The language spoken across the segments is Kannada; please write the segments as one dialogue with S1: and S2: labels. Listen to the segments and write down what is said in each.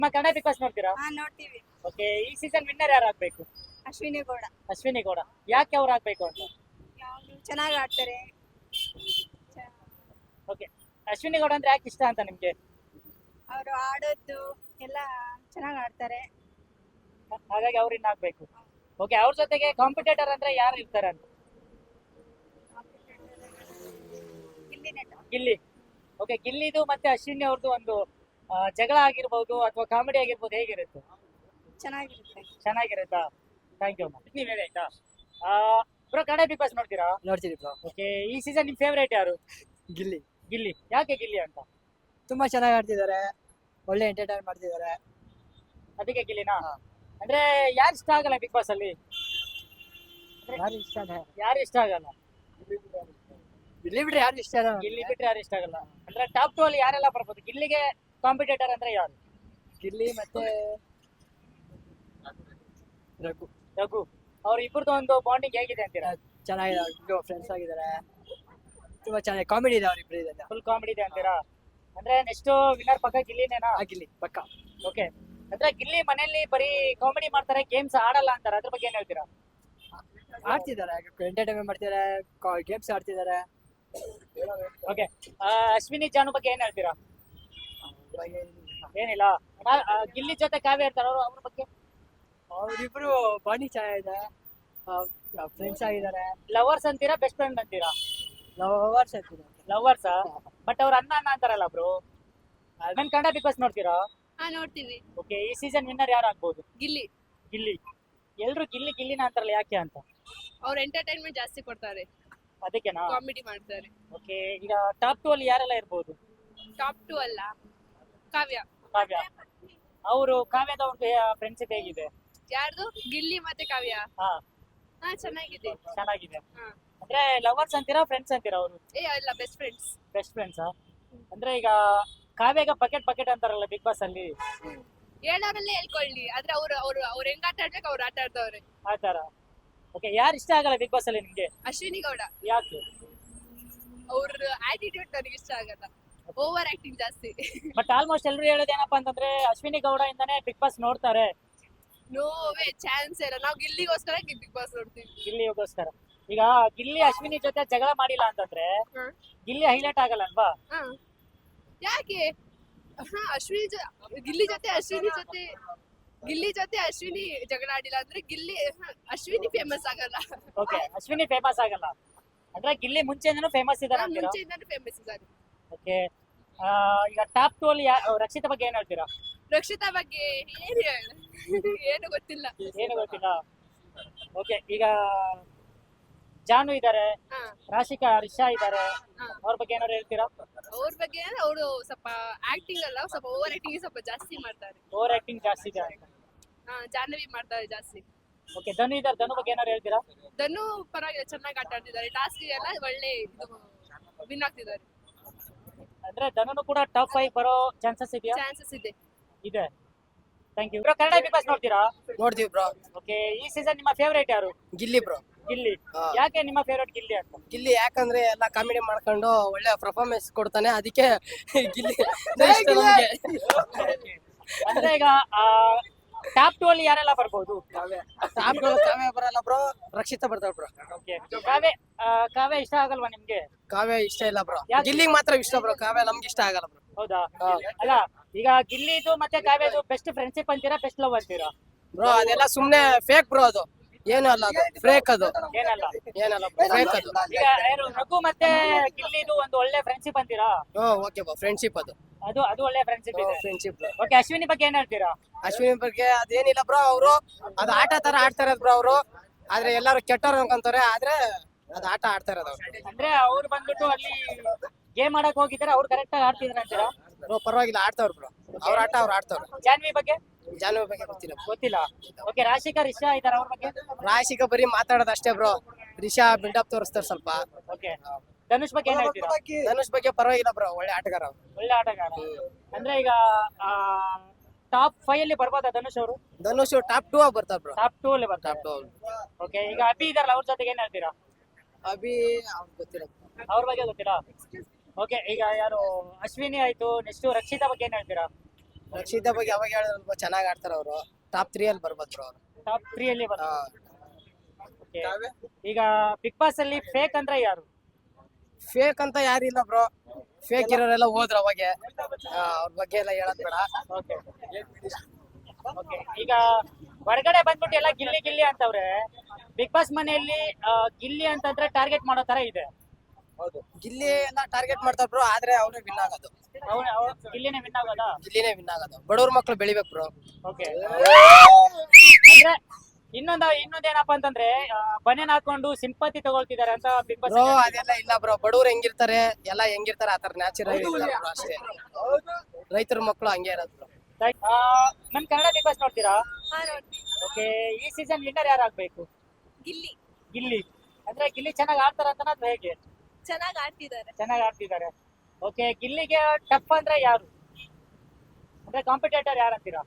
S1: ನಿಮ್ಮ ಕನ್ನಡ ಬಿಗ್ ಬಾಸ್ ನೋಡ್ತೀರಾ?
S2: ನೋಡ್ತೀವಿ.
S1: ಓಕೆ, ಈ ಸೀಸನ್ ವಿನ್ನರ್ ಯಾರು ಆಗ್ಬೇಕು?
S2: ಅಶ್ವಿನಿ ಗೌಡ
S1: ಅಶ್ವಿನಿ ಗೌಡ. ಯಾಕೆ ಅವ್ರು ಆಗ್ಬೇಕು ಅಂತ?
S2: ಚೆನ್ನಾಗಿ ಆಡ್ತಾರೆ.
S1: ಓಕೆ, ಅಶ್ವಿನಿ ಗೌಡ ಅಂದ್ರೆ ಯಾಕೆ ಇಷ್ಟ ಅಂತ ನಿಮ್ಗೆ?
S2: ಅವರು ಆಡೋದು ಎಲ್ಲ ಚೆನ್ನಾಗಿ ಆಡ್ತಾರೆ.
S1: ಹಾಗಾಗಿ ಅವ್ರು ಇನ್ನ ಆಗ್ಬೇಕು. ಓಕೆ, ಅವ್ರ ಜೊತೆಗೆ ಕಾಂಪಿಟೇಟರ್ ಅಂದ್ರೆ ಯಾರು ಇರ್ತಾರೆ ಅಂತ?
S2: ಗಿಲ್ಲಿ ನಟ.
S1: ಗಿಲ್ಲಿ. ಓಕೆ, ಗಿಲ್ಲಿದು ಮತ್ತೆ ಅಶ್ವಿನಿ ಅವ್ರದ್ದು ಒಂದು ಜಗಳ ಆಗಿರ್ಬೋದು ಅಥವಾ ಕಾಮಿಡಿ ಆಗಿರ್ಬೋದು, ಹೇಗಿರುತ್ತೆ?
S2: ಚೆನ್ನಾಗಿರುತ್ತೆ.
S1: ಚೆನ್ನಾಗಿರುತ್ತಾ? Thank you. ನೀವ್ ಹೇಳಿ ಆಯ್ತಾ? ಬ್ರೋ, ಕನ್ನಡ ಬಿಗ್ ಬಾಸ್ ನೋಡ್ತೀರಾ?
S3: ನೋಡ್ತೀವಿ ಬ್ರೋ.
S1: ಓಕೆ, ಈ ಸೀಸನ್ ನಿಮ್ ಫೇವರೇಟ್ ಯಾರು?
S3: ಗಿಲ್ಲಿ
S1: ಗಿಲ್ಲಿ. ಯಾಕೆ ಗಿಲ್ಲಿ ಅಂತ?
S3: ತುಂಬಾ ಚೆನ್ನಾಗಿ ಆಡ್ತಿದ್ದಾರೆ, ಒಳ್ಳೆ ಎಂಟರ್ಟೈನ್ ಮಾಡ್ತಿದ್ದಾರೆ.
S1: ಅದಕ್ಕೆ ಗಿಲ್ಲಿನಾ?
S3: ಹಾ.
S1: ಅಂದ್ರೆ ಯಾರು ಇಷ್ಟ ಆಗಲ್ಲ ಬಿಗ್ ಬಾಸ್ ಅಲ್ಲಿ?
S3: ಯಾರು ಇಷ್ಟ
S1: ಯಾರು ಇಷ್ಟ ಆಗಲ್ಲ?
S3: ಗಿಲ್ಲಿ ಬಿಟ್ರೆ ಯಾರು ಇಷ್ಟ ಇಲ್ಲ.
S1: ಗಿಲ್ಲಿ ಬಿಟ್ರೆ ಯಾರು ಇಷ್ಟ ಆಗಲ್ಲ? ಅಂದ್ರೆ ಟಾಪ್ 2 ಅಲ್ಲಿ ಯಾರೆಲ್ಲ ಬರ್ಬೋದು? ಗಿಲ್ಲಿಗೆ ಕಾಂಪಿಟೇಟರ್ ಅಂದ್ರೆ ಯಾರು?
S3: ಗಿಲ್ಲಿ ಮತ್ತೆ ರಘು
S1: ರಘು. ಅವ್ರ ಇಬ್ಬರದು ಒಂದು ಬಾಂಡಿಂಗ್ ಹೇಗಿದೆ ಅಂತೀರಾ?
S3: ಚೆನ್ನಾಗಿದೆ, ಫ್ರೆಂಡ್ಸ್ ಆಗಿದ್ದಾರೆ. ತುಂಬಾ ಚೆನ್ನಾಗಿ ಕಾಮಿಡಿ ಇದೆ ಅವ್ರಿಬ್ರು ಇದೆಲ್ಲ.
S1: ಫುಲ್ ಕಾಮಿಡಿ ಇದೆ ಅಂತೀರಾ? ಅಂದ್ರೆ ನೆಕ್ಸ್ಟ್ ವಿನ್ನರ್ ಪಕ್ಕ ಗಿಲ್ಲಿನೇನಾ?
S3: ಗಿಲ್ಲಿ ಪಕ್ಕ.
S1: ಓಕೆ, ಅಂದ್ರೆ ಗಿಲ್ಲಿ ಮನೆಯಲ್ಲಿ ಬರೀ ಕಾಮಿಡಿ ಮಾಡ್ತಾರೆ, ಗೇಮ್ಸ್ ಆಡಲ್ಲ ಅಂತಾರೆ, ಅದ್ರ ಬಗ್ಗೆ ಏನ್ ಹೇಳ್ತೀರಾ?
S3: ಆಡ್ತಿದ್ದಾರೆ, ಎಂಟರ್ಟೈನ್ಮೆಂಟ್ ಮಾಡ್ತಿದ್ದಾರೆ, ಗೇಮ್ಸ್ ಆಡ್ತಿದ್ದಾರೆ.
S1: ಓಕೆ, ಅಶ್ವಿನಿ ಜಾನು ಬಗ್ಗೆ ಏನ್ ಹೇಳ್ತೀರಾ? ಏನಿಲ್ಲ. ಗಿಲ್ಲಿ ಜೊತೆ ಕಾವ್ಯ ಇರ್ತಾರ, ಅವ್ರ ಬಗ್ಗೆ?
S3: ಅವ್ರಿಬ್ರು ಬಾಂಡಿಂಗ್ ಚೆನ್ನಾಗಿದೆ, ಫ್ರೆಂಡ್ಸ್ ಆಗಿದ್ದಾರೆ.
S1: ಲವರ್ಸ್ ಅಂತೀರಾ, ಬೆಸ್ಟ್ ಫ್ರೆಂಡ್ ಅಂತೀರಾ?
S3: ಲವರ್ಸ್ ಆಗ್ತಿದ್ದಾರೆ.
S1: ಲವರ್ಸಾ? ಬಟ್ ಅವ್ರ ಅಣ್ಣ ಅಣ್ಣ ಅಂತಾರಲ್ಲ ಬ್ರೋ. ನನ್ ಕನ್ನಡ ಬಿಗ್ ಬಾಸ್ ನೋಡ್ತೀರಾ?
S2: ನೋಡ್ತೀವಿ.
S1: ಓಕೆ, ಈ ಸೀಸನ್ ವಿನ್ನರ್ ಯಾರು ಆಗ್ಬೋದು?
S2: ಗಿಲ್ಲಿ.
S1: ಗಿಲ್ಲಿ. ಎಲ್ರು ಗಿಲ್ಲಿ ಗಿಲ್ಲಿನ ಅಂತಾರಲ್ಲ, ಯಾಕೆ ಅಂತ?
S2: ಅವ್ರು ಎಂಟರ್ಟೈನ್ಮೆಂಟ್ ಜಾಸ್ತಿ ಕೊಡ್ತಾರೆ,
S1: ಅದಕ್ಕೆನಾ?
S2: ಕಾಮಿಡಿ ಮಾಡ್ತಾರೆ.
S1: ಓಕೆ, ಈಗ ಟಾಪ್ 2 ಅಲ್ಲಿ ಯಾರೆಲ್ಲ ಇರ್ಬೋದು?
S2: ಟಾಪ್ 2 ಅಲ್ಲ, ಕಾವ್ಯ.
S1: ಕಾವ್ಯ. ಅವರು ಕಾವ್ಯದ ಒಂದು ಫ್ರೆಂಡ್ಶಿಪ್ ಹೇಗಿದೆ?
S2: ಯಾರ್ದು? ಗಿಲ್ಲಿ ಮತ್ತೆ ಕಾವ್ಯ.
S1: ಹಾ,
S2: ಚೆನ್ನಾಗಿದೆ.
S1: ಚೆನ್ನಾಗಿದೆ.
S2: ಹಾ.
S1: ಅಂದ್ರೆ ಲವರ್ಸ್ ಅಂತೀರಾ, ಫ್ರೆಂಡ್ಸ್ ಅಂತೀರಾ ಅವರು?
S2: ಅಲ್ಲ, ಬೆಸ್ಟ್ ಫ್ರೆಂಡ್ಸ್.
S1: ಬೆಸ್ಟ್ ಫ್ರೆಂಡ್ಸಾ? ಅಂದ್ರೆ ಈಗ ಕಾವ್ಯಗ ಬಕೆಟ್ ಬಕೆಟ್ ಅಂತಾರಲ್ಲ ಬಿಗ್ ಬಾಸ್ ಅಲ್ಲಿ,
S2: ಹೇಳೋರಲ್ಲೇ ಹೇಳ್ಕೊಳ್ಳಿ, ಆದ್ರೆ ಅವ್ರು ಹೆಂಗ್ ಆಟ ಆಡ್ಬೇಕು ಅವ್ರು ಆಟ ಆಡ್ತವ್ರೆ.
S1: ಆ ತರ. ಓಕೆ, ಯಾರು ಇಷ್ಟ ಆಗಲ್ಲ ಬಿಗ್ ಬಾಸ್ ಅಲ್ಲಿ ನಿಮ್ಗೆ?
S2: ಅಶ್ವಿನಿ ಗೌಡ.
S1: ಯಾಕೆ?
S2: ಅವ್ರ ಆಟಿಟ್ಯೂಡ್ ನನಗೆ ಇಷ್ಟ ಆಗಲ್ಲ, ಓವರ್ ಆಕ್ಟಿಂಗ್ ಜಾಸ್ತಿ.
S1: ಬಟ್ ಆಲ್ಮೋಸ್ಟ್ ಎಲ್ಲರೂ ಹೇಳೋದೇನಪ್ಪ ಅಂತಂದ್ರೆ ಅಶ್ವಿನಿ ಗೌಡ ಇಂದಾನೆ ಬಿಗ್ ಬಾಸ್ ನೋಡ್ತಾರೆ.
S2: ನೋವೇ ಚಾನ್ಸ್ ಇಲ್ಲ, ನಾವು ಗಿಲ್ಲಿಗೋಸ್ಕರ ಬಿಗ್ ಬಾಸ್ ನೋಡ್ತೀವಿ.
S1: ಗಿಲ್ಲಿಗೋಸ್ಕರ. ಈಗ ಗಿಲ್ಲಿ ಅಶ್ವಿನಿ ಜೊತೆ ಜಗಳ ಮಾಡಿಲ್ಲ ಅಂತಂದ್ರೆ
S2: ಹ್ಮ್.
S1: ಗಿಲ್ಲಿ ಹೈಲೈಟ್ ಆಗಲ್ಲ ಅಲ್ವಾ?
S2: ಹಾ. ಯಾಕೆ? ಅಶ್ವಿನಿ ಗಿಲ್ಲಿ ಜೊತೆ ಅಶ್ವಿನಿ ಜಗಳ ಆಡಿಲ್ಲ ಅಂದ್ರೆ ಅಶ್ವಿನಿ ಫೇಮಸ್ ಆಗಲ್ಲ.
S1: ಓಕೆ, ಅಶ್ವಿನಿ ಫೇಮಸ್ ಆಗಲ್ಲ ಅಂದ್ರೆ ಗಿಲ್ಲಿ ಮುಂಚೆಯಿಂದನೂ ಫೇಮಸ್ ಇದಾರೆ ಅಂತೀರಾ?
S2: ಮುಂಚೆಯಿಂದಾನು ಫೇಮಸ್ ಇದ್ದಾರೆ.
S1: ಓಕೆ, ಈಗ ಟಾಪ್ 2 ಅಲ್ಲಿ ರಕ್ಷಿತಾ ಬಗ್ಗೆ ಏನ್ ಹೇಳ್ತೀರಾ?
S2: ರಕ್ಷಿತಾ ಬಗ್ಗೆ ಏನು ಗೊತ್ತಿಲ್ಲ.
S1: ಏನು ಗೊತ್ತಿಲ್ಲ. ಓಕೆ, ಈಗ ಜಾನು ಇದಾರೆ,
S2: ಹಾ.
S1: ರಾಶಿಕಾ ರಿಷಾ ಇದಾರೆ,
S2: ಹಾ.
S1: ಅವ್ರ ಬಗ್ಗೆ ಏನಾದ್ರು ಹೇಳ್ತೀರಾ?
S2: ಅವ್ರ ಬಗ್ಗೆ ಅವರು ಸ್ವಲ್ಪ ಆಕ್ಟಿಂಗ್ ಅಲ್ಲ, ಸ್ವಲ್ಪ ಓವರ್ ಆಕ್ಟಿಂಗ್ ಸ್ವಲ್ಪ ಜಾಸ್ತಿ ಮಾಡ್ತಾರೆ.
S1: ಓವರ್ ಆಕ್ಟಿಂಗ್ ಜಾಸ್ತಿ ಇದೆ ಅಂತ.
S2: ಜಾಹ್ನವಿ ಮಾಡ್ತಾರೆ ಜಾಸ್ತಿ.
S1: ಓಕೆ, ಧನು ಇದಾರೆ, ಧನು ಬಗ್ಗೆ ಏನಾದ್ರು ಹೇಳ್ತೀರಾ?
S2: ಧನು ಪರವಾಗಿಲ್ಲ, ಚೆನ್ನಾಗಿ ಆಟ ಆಡ್ತಿದ್ದಾರೆ. ಟಾಸ್ಕ್ ಎಲ್ಲ ಒಳ್ಳೆ ವಿನ್ ಆಗ್ತಿದ್ದಾರೆ.
S1: ಅಂದ್ರೆ ಧನುನು ಕೂಡ ಟಾಪ್ 5 ಬರೋ ಚಾನ್ಸಸ್ ಇದೆಯಾ?
S2: ಚಾನ್ಸಸ್ ಇದೆ.
S1: ಇದೆ. Thank you. Bro, Kannada big boss ನೋಡ್ತೀರಾ?
S3: ನೋಡ್ತೀವಿ ಬ್ರೋ.
S1: ಓಕೆ, ಈ ಸೀಸನ್ ನಿಮ್ಮ ಫೇವರೇಟ್ ಯಾರು?
S3: ಗಿಲ್ಲಿ ಬ್ರೋ.
S1: ಗಿಲ್ಲಿ.
S3: ಹಾ.
S1: ಯಾಕೆ ನಿಮ್ಮ ಫೇವರೇಟ್ ಗಿಲ್ಲಿ ಅಂತ?
S3: ಗಿಲ್ಲಿ ಯಾಕಂದ್ರೆ ಎಲ್ಲ ಕಾಮಿಡಿ ಮಾಡ್ಕೊಂಡು ಒಳ್ಳೆ ಪರ್ಫಾರ್ಮೆನ್ಸ್ ಕೊಡ್ತಾನೆ, ಅದಕ್ಕೆ ಗಿಲ್ಲಿ ಇಷ್ಟ ನಮ್ಗೆ.
S1: ಅಂದ್ರೆ ಈಗ ಟಾಪ್ 2 ಅಲ್ಲಿ ಯಾರೆಲ್ಲ ಬರ್ಬೋದು?
S3: ಕಾವ್ಯ ಬರಲ್ಲ ಬ್ರೋ, ರಕ್ಷಿತಾ ಬರ್ತಾಳ ಬ್ರೋ.
S1: ಓಕೆ, ಕಾವ್ಯ ಇಷ್ಟ ಆಗಲ್ವಾ ನಿಮ್ಗೆ?
S3: ಕಾವ್ಯ ಇಷ್ಟ ಇಲ್ಲ ಬ್ರೋ,
S1: ಯಾಕೆ?
S3: ಗಿಲ್ಲಿಗೆ ಮಾತ್ರ ಇಷ್ಟ ಬ್ರೋ, ಕಾವ್ಯ ನಮ್ಗೆ ಇಷ್ಟ ಆಗಲ್ಲ ಬ್ರೋ.
S1: ಹೌದಾ? ಅಲ್ಲ, ಈಗ ಗಿಲ್ಲಿದು ಮತ್ತೆ ಕಾವ್ಯದು ಬೆಸ್ಟ್ ಫ್ರೆಂಡ್ಶಿಪ್ ಅಂತೀರಾ, ಬೆಸ್ಟ್ ಲವ್ ಅಂತೀರಾ?
S3: ಬ್ರೋ ಅದೆಲ್ಲ ಸುಮ್ನೆ ಫೇಕ್ ಬ್ರೋ, ಅದು ಏನು ಅಲ್ಲ, ಅದು ಫೇಕ್, ಅದು
S1: ಏನಲ್ಲ.
S3: ಏನಲ್ಲ ಫೇಕ್ ಅದು.
S1: ಈಗ ರಘು ಮತ್ತೆ ಗಿಲ್ಲಿದು ಒಂದು ಒಳ್ಳೆ ಫ್ರೆಂಡ್ಶಿಪ್ ಅಂತೀರಾ?
S3: ಓಕೆ ಬ್ರೋ, ಫ್ರೆಂಡ್ಶಿಪ್ ಅದು
S1: ಅದು ಒಳ್ಳೆ ಫ್ರೆಂಡ್ಶಿಪ್ ಇದೆ.
S3: ಫ್ರೆಂಡ್ಶಿಪ್.
S1: ಓಕೆ, ಅಶ್ವಿನಿ ಬಗ್ಗೆ ಏನ್ ಹೇಳ್ತೀರಾ?
S3: ಅಶ್ವಿನಿ ಬಗ್ಗೆ ಅದೇನಿಲ್ಲ ಬ್ರೋ, ಅವರು ಅದು ಆಟ ತರ ಆಡ್ತಾ ಇರೋದು ಬ್ರೋ. ಅವರು ಆದ್ರೆ ಎಲ್ಲಾರು ಕೆಟ್ಟವ್ರು ಅನ್ಕೊಂತಾರೆ, ಆದ್ರೆ ಅದು ಆಟ ಆಡ್ತಾ ಇರೋದು ಅವ್ರು.
S1: ಅಂದ್ರೆ ಅವ್ರು ಬಂದ್ಬಿಟ್ಟು ಅಲ್ಲಿ ಗೇಮ್ ಆಡಕ್ ಹೋಗಿದ್ದಾರೆ, ಅವ್ರು ಕರೆಕ್ಟ್ ಆಗಿ ಆಡ್ತಿದ್ರ ಅಂತೀರಾ?
S3: ಬ್ರೋ ಪರವಾಗಿಲ್ಲ, ಆಡ್ತಾವ್ರು ಬ್ರೋ, ಅವ್ರ ಆಟ ಅವ್ರು ಆಡ್ತಾವ್ರು.
S1: ಜಾನ್ವಿ ಬಗ್ಗೆ
S3: ಜಾನ್ವಿ ಬಗ್ಗೆ ಗೊತ್ತಿಲ್ಲ.
S1: ಗೊತ್ತಿಲ್ಲ. ಓಕೆ, ರಾಶಿಕಾ ರಿಷಾ ಇದಾರೆ, ಅವ್ರ ಬಗ್ಗೆ?
S3: ರಾಶಿಕಾ ಬರೀ ಮಾತಾಡೋದು ಅಷ್ಟೇ ಬ್ರೋ, ರಿಷಾ ಬಿಲ್ಡಪ್ ತೋರಿಸ್ತಾರೆ ಸ್ವಲ್ಪ.
S1: ಓಕೆ, ಧನುಷ್ ಬಗ್ಗೆ ಏನ್ ಹೇಳ್ತೀರಾ?
S3: ಧನುಷ್ ಬಗ್ಗೆ ಪರವಾಗಿಲ್ಲ ಬ್ರೋ, ಒಳ್ಳೆ ಆಟಗಾರ ಅವ್ರು.
S1: ಒಳ್ಳೆ ಆಟಗಾರ. ಅಂದ್ರೆ ಈಗ ಟಾಪ್ 5 ಅಲ್ಲಿ ಬರ್ಬೋದಾ ಧನುಷ್ ಅವರು?
S3: ಧನುಷ್ ಟಾಪ್ 2 ಆಗಿ ಬರ್ತಾರೆ ಬ್ರೋ.
S1: ಟಾಪ್ 2 ಅಲ್ಲಿ ಬರ್ತಾರೆ.
S3: ಟಾಪ್ 2.
S1: ಓಕೆ, ಈಗ ಅಭಿ ಇದಾರಲ್ಲ, ಅವ್ರ ಜೊತೆಗೆ ಏನ್ ಹೇಳ್ತೀರಾ?
S3: ಅಭಿ ಗೊತ್ತಿಲ್ಲ.
S1: ಅವ್ರ ಬಗ್ಗೆ ಗೊತ್ತಿಲ್ಲ. ಓಕೆ, ಈಗ ಯಾರು ಅಶ್ವಿನಿ ಆಯ್ತು, ನೆಕ್ಸ್ಟ್ ರಕ್ಷಿತಾ ಬಗ್ಗೆ ಏನ್ ಹೇಳ್ತೀರಾ?
S3: ರಕ್ಷಿತಾ ಬಗ್ಗೆ ಅವಾಗ ಹೇಳಿದ್ರು ಚೆನ್ನಾಗಿ ಆಡ್ತಾರೆ ಅವರು. ಟಾಪ್ 3 ಅಲ್ಲಿ ಬರ್ಬೋದು ಬ್ರೋ ಅವರು.
S1: ಟಾಪ್ 3 ಅಲ್ಲಿ ಓಕೆ. ಈಗ ಬಿಗ್ ಬಾಸ್ ಅಲ್ಲಿ ಫೇಕ್ ಅಂದ್ರೆ ಯಾರು?
S3: ಫೇಕ್ ಅಂತ ಯಾರಿಲ್ಲ ಬ್ರೋ. ಫೇಕ್ ಇರೋರೆಲ್ಲ ಹೋದ್ರು ಅವಾಗೆ. ಅವ್ರ ಬಗ್ಗೆ ಎಲ್ಲ ಹೇಳೋದ್ ಬೇಡ.
S1: Okay okay. ಈಗ ಹೊರಗಡೆ ಬಂದ್ಬಿಟ್ಟು ಎಲ್ಲ ಗಿಲ್ಲಿ ಗಿಲ್ಲಿ ಅಂತವ್ರೆ. ಬಿಗ್ ಬಾಸ್ ಮನೆಯಲ್ಲಿ ಗಿಲ್ಲಿ ಅಂತಂದ್ರೆ ಟಾರ್ಗೆಟ್ ಮಾಡೋ ತರ ಇದೆ.
S3: ಗಿಲ್ಲಿ ಎಲ್ಲ ಟಾರ್ಗೆಟ್ ಮಾಡ್ತಾರ ಬ್ರೋ, ಆದ್ರೆ ಅವ್ರೇ ವಿನ್ ಆಗೋದು.
S1: ಗಿಲ್ಲಿನೇ ವಿನ್ ಆಗೋದಾ?
S3: ಗಿಲ್ಲಿನೇ ವಿನ್ ಆಗೋದು. ಬಡವ್ರ ಮಕ್ಳು ಬೆಳಿಬೇಕು ಬ್ರೋ.
S1: ಓಕೆ. ಅಂದ್ರೆ ಇನ್ನೊಂದೇನಪ್ಪ ಅಂತಂದ್ರೆ ಬನೇನ್ ಹಾಕೊಂಡು ಸಿಂಪತಿ ತಗೊಳ್ತಿದ್ದಾರೆ ಅಂತ ಬಿಗ್ ಬಾಸ್.
S3: ಬ್ರೋ ಅದೆಲ್ಲ ಇಲ್ಲ ಬ್ರೋ. ಬಡವ್ರು ಹೆಂಗಿರ್ತಾರೆ ಎಲ್ಲ ಹೆಂಗಿರ್ತಾರೆ ಆತರ ನ್ಯಾಚುರಲ್ ಇರ್ತಾರೆ ಬ್ರೋ ಅಷ್ಟೇ. ರೈತರ ಮಕ್ಳು ಹಂಗೆ ಇರೋದು ಬ್ರೋ.
S1: ನಮ್ ಕನ್ನಡ ಬಿಗ್ ಬಾಸ್ ನೋಡ್ತೀರಾ?
S2: ಹಾ ನೋಡ್ತೀವಿ.
S1: ಓಕೆ. ಈ ಸೀಸನ್ ವಿನ್ನರ್ ಯಾರಾಗ್ಬೇಕು?
S2: ಗಿಲ್ಲಿ
S1: ಗಿಲ್ಲಿ ಅಂದ್ರೆ ಗಿಲ್ಲಿ ಚೆನ್ನಾಗಿ ಆಡ್ತಾರ ಅಂತ ಅಥವಾ ಹೇಗೆ?
S2: ಚೆನ್ನಾಗಿ ಆಡ್ತಿದ್ದಾರೆ.
S1: ಚೆನ್ನಾಗಿ ಆಡ್ತಿದ್ದಾರೆ. ಓಕೆ. ಗಿಲ್ಲಿಗೆ ಟಫ್ ಅಂದ್ರೆ ಯಾರು? ಅಂದ್ರೆ ಕಾಂಪಿಟೇಟರ್ ಯಾರು ಅಂತೀರಾ?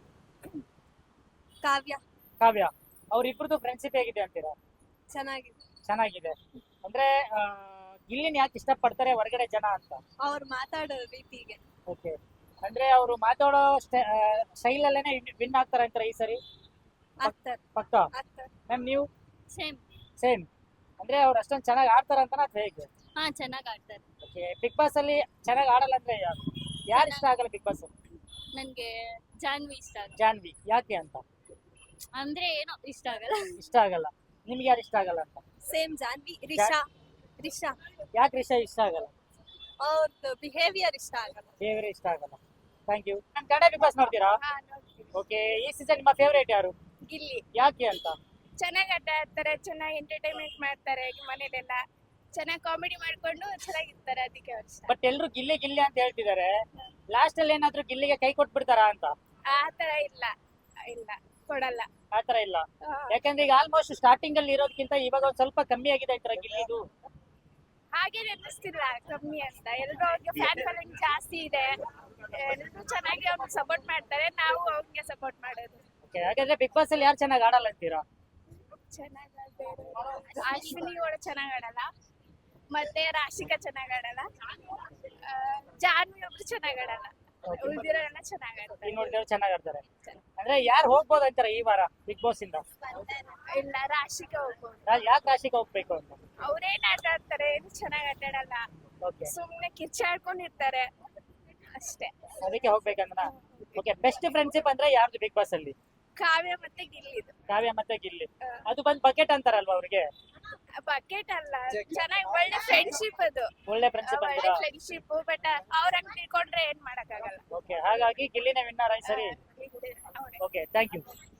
S2: ಕಾವ್ಯ
S1: ಕಾವ್ಯ. ಅವ್ರಿಬ್ರದ್ದು ಫ್ರೆಂಡ್ಶಿಪ್ ಹೇಗಿದೆ ಅಂತೀರಾ?
S2: ಚೆನ್ನಾಗಿದೆ.
S1: ಚೆನ್ನಾಗಿದೆ. ಅಂದ್ರೆ ಗಿಲ್ಲಿನ ಯಾಕೆ ಇಷ್ಟಪಡ್ತಾರೆ ಹೊರಗಡೆ ಜನ ಅಂತ?
S2: ಅವ್ರು ಮಾತಾಡೋ ರೀತಿಗೆ.
S1: ಓಕೆ. ಅಂದ್ರೆ ಅವರು ಮಾತಾಡೋ ಸ್ಟೈಲ್ ಅಲ್ಲೇನೆ ವಿನ್ ಆಗ್ತಾರೆ ಅಂತಾರೆ ಈ ಸರಿ?
S2: ಆಗ್ತಾರೆ.
S1: ಪಕ್ಕ.
S2: ಆಗ್ತಾರೆ.
S1: ಮ್ಯಾಮ್ ನೀವು?
S2: ಸೇಮ್.
S1: ಸೇಮ್. ಅಂದ್ರೆ ಅವ್ರು ಅಷ್ಟೊಂದು ಚೆನ್ನಾಗಿ ಆಡ್ತಾರ ಅಂತ ಅಥವಾ ಹೇಗೆ?
S2: ಹಾ ಚೆನ್ನಾಗಿ ಆಡ್ತಾರೆ.
S1: ಓಕೆ. ಬಿಗ್ ಬಾಸ್ ಅಲ್ಲಿ ಚೆನ್ನಾಗಿ ಆಡಲ್ಲ ಅಂದ್ರೆ ಯಾರು ಇಷ್ಟ ಆಗಲ್ಲ ಬಿಗ್ ಬಾಸ್?
S2: ನನ್ಗೆ ಜಾನ್ವಿ ಇಷ್ಟ ಆಗುತ್ತೆ.
S1: ಜಾನ್ವಿ. ಯಾಕೆ ಅಂತ?
S2: ಅಂದ್ರೆ ಏನೋ ಇಷ್ಟ ಆಗಲ್ಲ.
S1: ಇಷ್ಟ ಆಗಲ್ಲ. ನಿಮ್ಗೆ ಯಾರು ಇಷ್ಟ ಆಗಲ್ಲ ಅಂತ?
S2: ಸೇಮ್ ಜಾನ್ವಿ. ರಿಷಾ
S1: ಯಾಕೆ ರಿಷಾ ಇಷ್ಟ ಆಗಲ್ಲ?
S2: ಅವ್ರದ್ದು ಬಿಹೇವಿಯರ್ ಇಷ್ಟ ಆಗಲ್ಲ.
S1: ಫೇವರೇಟ್ ಇಷ್ಟ ಆಗಲ್ಲ. Thank you. ನಾನು ಕನ್ನಡ ಬಿಗ್ ಬಾಸ್ ನೋಡ್ತೀರಾ? ಓಕೆ. ಈ ಸೀಸನ್ ನಿಮ್ಮ ಫೇವರೇಟ್ ಯಾರು?
S2: ಗಿಲ್ಲಿ.
S1: ಯಾಕೆ ಅಂತ?
S2: ಚೆನ್ನಾಗಿ ಆಟ ಆಡ್ತಾರೆ, ಚೆನ್ನಾಗಿ ಎಂಟರ್ಟೈನ್ಮೆಂಟ್ ಮಾಡ್ತಾರೆ, ಮನೇಲೆಲ್ಲ ಚೆನ್ನಾಗಿ ಕಾಮಿಡಿ ಮಾಡ್ಕೊಂಡು ಚೆನ್ನಾಗಿರ್ತಾರೆ, ಅದಕ್ಕೆ ಅವ್ರು ಇಷ್ಟ.
S1: ಬಟ್ ಎಲ್ರು ಗಿಲ್ಲಿ ಗಿಲ್ಲಿ ಅಂತ ಹೇಳ್ತಿದ್ದಾರೆ. ಲಾಸ್ಟ್ ಅಲ್ಲಿ ಏನಾದ್ರು ಗಿಲ್ಲಿಗೆ ಕೈ ಕೊಟ್ಬಿಡ್ತಾರಾ ಅಂತ?
S2: ಆ ತರ ಇಲ್ಲ, ಇಲ್ಲ ಕೊಡಲ್ಲ.
S1: ಆತರ ಇಲ್ಲ. ಯಾಕಂದ್ರೆ ಈಗ ಆಲ್ಮೋಸ್ಟ್ ಸ್ಟಾರ್ಟಿಂಗ್ ಅಲ್ಲಿ ಇರೋದಕ್ಕಿಂತ ಇವಾಗ ಒಂದ್ ಸ್ವಲ್ಪ ಕಮ್ಮಿ ಆಗಿದೆ ಈ ತರ ಗಿಲ್ಲಿದು.
S2: ಹಾಗೇನೆ ಅನ್ನಿಸ್ತಿಲ್ಲ ಕಮ್ಮಿ ಅಂತ. ಎಲ್ರು ಅವ್ರಿಗೆ ಫ್ಯಾನ್ ಫಾಲೋಯಿಂಗ್ ಜಾಸ್ತಿ ಇದೆ. ಎಲ್ರು ಚೆನ್ನಾಗಿ ಅವ್ರಿಗೆ ಸಪೋರ್ಟ್ ಮಾಡ್ತಾರೆ, ನಾವು ಅವ್ರಿಗೆ ಸಪೋರ್ಟ್ ಮಾಡೋದು.
S1: ಓಕೆ. ಹಾಗಾದ್ರೆ ಬಿಗ್ ಬಾಸ್ ಅಲ್ಲಿ ಯಾರು ಚೆನ್ನಾಗಿ ಆಡಲ್ಲ ಅಂತೀರಾ?
S2: ಚೆನ್ನಾಗಿ ಅಶ್ವಿನಿ ಕೂಡ ಚೆನ್ನಾಗಿ ಆಡಲ್ಲ, ಮತ್ತೆ ರಾಶಿಕಾ ಚೆನ್ನಾಗಿ ಆಡಲ್ಲ, ಜಾನ್ವಿ ಒಬ್ರು ಚೆನ್ನಾಗಿ ಆಡಲ್ಲ, ಉಳಿದಿರೋರೆಲ್ಲ ಚೆನ್ನಾಗಿ ಆಡ್ತಾರೆ.
S1: ಈಗ ನೋಡಿದ್ರೆ ಚೆನ್ನಾಗಿ ಆಡ್ತಾರೆ. ಅಂದ್ರೆ ಯಾರು ಹೋಗ್ಬೋದು ಅಂತಾರೆ ಈ ವಾರ ಬಿಗ್ ಬಾಸ್ ಇಂದ?
S2: ಇಲ್ಲ ರಾಶಿಕಾ ಹೋಗ್ಬೋದು.
S1: ಯಾಕೆ ರಾಶಿಗೆ ಹೋಗ್ಬೇಕು ಅಂತ?
S2: ಅವ್ರೇನ್ ಆಟ ಆಡ್ತಾರೆ, ಏನು ಚೆನ್ನಾಗಿ ಆಟ ಆಡಲ್ಲ,
S1: ಓಕೆ.
S2: ಸುಮ್ನೆ ಕಿರ್ಚಾಡ್ಕೊಂಡಿರ್ತಾರೆ ಅಷ್ಟೇ.
S1: ಅದಕ್ಕೆ ಹೋಗ್ಬೇಕಂದ್ರ? ಓಕೆ. ಬೆಸ್ಟ್ ಫ್ರೆಂಡ್ಶಿಪ್ ಅಂದ್ರೆ ಯಾರ್ದು ಬಿಗ್ ಬಾಸ್ ಅಲ್ಲಿ?
S2: ಕಾವ್ಯ ಮತ್ತೆ ಗಿಲ್ಲಿದು.
S1: ಕಾವ್ಯ ಮತ್ತೆ ಗಿಲ್ಲಿ. ಅದು ಬಂದ್ ಬಕೆಟ್ ಅಂತಾರಲ್ವಾ ಅವ್ರಿಗೆ?
S2: ಬಕೆಟ್ ಅಲ್ಲ, ಚೆನ್ನಾಗಿ ಒಳ್ಳೆ ಫ್ರೆಂಡ್ಶಿಪ್ ಅದು.
S1: ಒಳ್ಳೆ ಫ್ರೆಂಡ್ಶಿಪ್
S2: ಒಳ್ಳೆ
S1: ಅಂತೀರಾ?
S2: ಫ್ರೆಂಡ್ಶಿಪ್. ಬಟ್ ಅವ್ರಂಗ್ ತಿಳ್ಕೊಂಡ್ರೆ ಏನ್ ಮಾಡಕ್ಕಾಗಲ್ಲ.
S1: ಓಕೆ. ಹಾಗಾಗಿ ಗಿಲ್ಲಿನೇ ವಿನ್ನರ್ ಈ ಸರಿ.
S2: ಅವ್ನೇ.
S1: ಓಕೆ. Thank you.